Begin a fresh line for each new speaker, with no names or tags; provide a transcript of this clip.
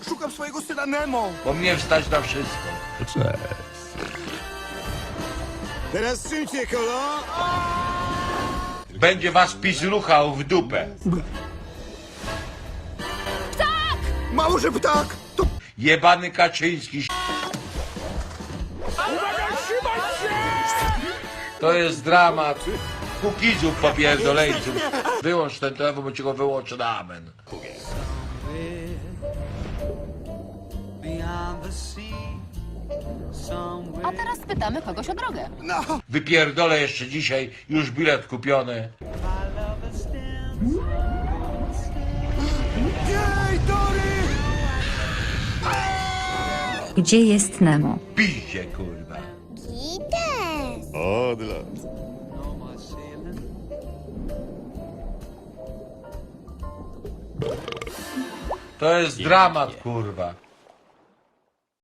Szukam swojego syna Nemo.
Bo mnie wstać na wszystko.
Teraz czym cię, kolo?
Będzie was PiS ruchał w dupę.
Mało, że ptak! To...
Jebany Kaczyński. To jest dramat. Kukizów popierdoleńców. Wyłącz ten telefon, bo ci go wyłączę na amen.
A teraz spytamy kogoś o drogę.
No!
Wypierdolę jeszcze dzisiaj, już bilet kupiony.
Jej, Dory!
Gdzie jest Nemo?
Piździe, kurwa.
Odlot.
To jest dramat, kurwa.